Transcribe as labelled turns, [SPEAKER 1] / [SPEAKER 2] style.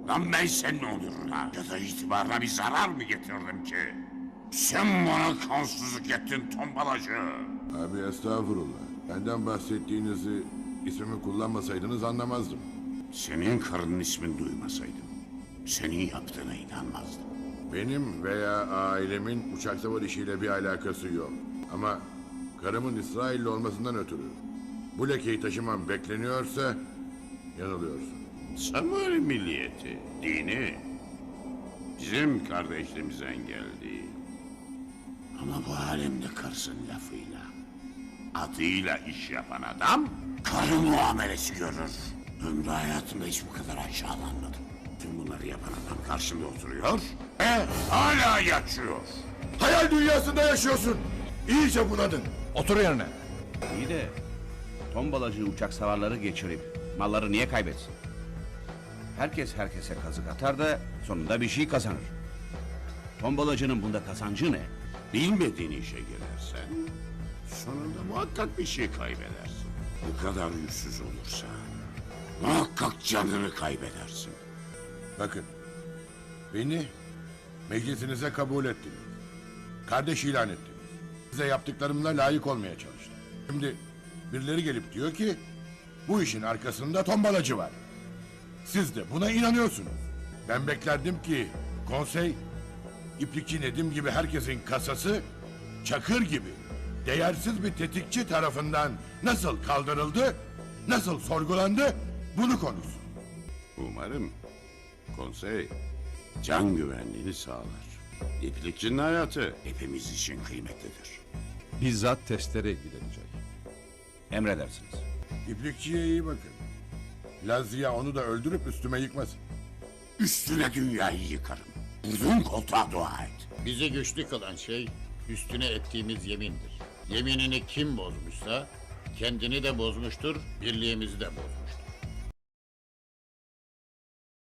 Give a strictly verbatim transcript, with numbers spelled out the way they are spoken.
[SPEAKER 1] Lan ben senin onuruna ya da itibarına bir zarar mı getirdim ki? Sen bana kansızlık ettin tombalacı.
[SPEAKER 2] Abi estağfurullah. Benden bahsettiğinizi, ismimi kullanmasaydınız anlamazdım.
[SPEAKER 1] Senin karının ismini duymasaydım, senin yaptığına inanmazdım.
[SPEAKER 2] Benim veya ailemin uçak savar işiyle bir alakası yok. Ama karımın İsrailli olmasından ötürü bu lekeyi taşımam bekleniyorsa yanılıyorsun.
[SPEAKER 1] Samur milliyeti, dini bizim kardeşliğimizden geldi. Ama bu alemde karısın lafıyla, adıyla iş yapan adam karı muamelesi görür. Ömrü hayatımda hiç bu kadar aşağılanmadım. Tüm bunları yapan adam karşımda oturuyor ve hala yaşıyor.
[SPEAKER 2] Hayal dünyasında yaşıyorsun. İyice bunadın.
[SPEAKER 3] Otur yerine.
[SPEAKER 4] İyi de tombalacı uçak savarları geçirip malları niye kaybetsin? Herkes herkese kazık atar da sonunda bir şey kazanır. Tombalacının bunda kazancı ne?
[SPEAKER 1] Bilmediğin işe girersen sonunda muhakkak bir şey kaybedersin. Bu kadar yüzsüz olursa muhakkak canını kaybedersin.
[SPEAKER 2] Bakın, beni meclisinize kabul ettiniz. Kardeş ilan ettiniz. Size yaptıklarımla layık olmaya çalıştım. Şimdi birileri gelip diyor ki bu işin arkasında tombalacı var. Siz de buna inanıyorsunuz. Ben beklerdim ki konsey, İplikçi Nedim gibi herkesin kasası Çakır gibi değersiz bir tetikçi tarafından nasıl kaldırıldı, nasıl sorgulandı bunu konuşsun.
[SPEAKER 1] Umarım konsey can güvenliğini sağlar. İplikçinin hayatı hepimiz için kıymetlidir.
[SPEAKER 3] Bizzat testere ilgilenecek.
[SPEAKER 4] Emredersiniz.
[SPEAKER 2] İplikçiye iyi bakın. Lazia onu da öldürüp üstüme yıkmasın.
[SPEAKER 1] Üstüne dünyayı yıkarım. Vurduğun koltuğa dua et.
[SPEAKER 5] Bizi güçlü kılan şey üstüne ettiğimiz yemindir. Yeminini kim bozmuşsa kendini de bozmuştur, birliğimizi de bozmuştur.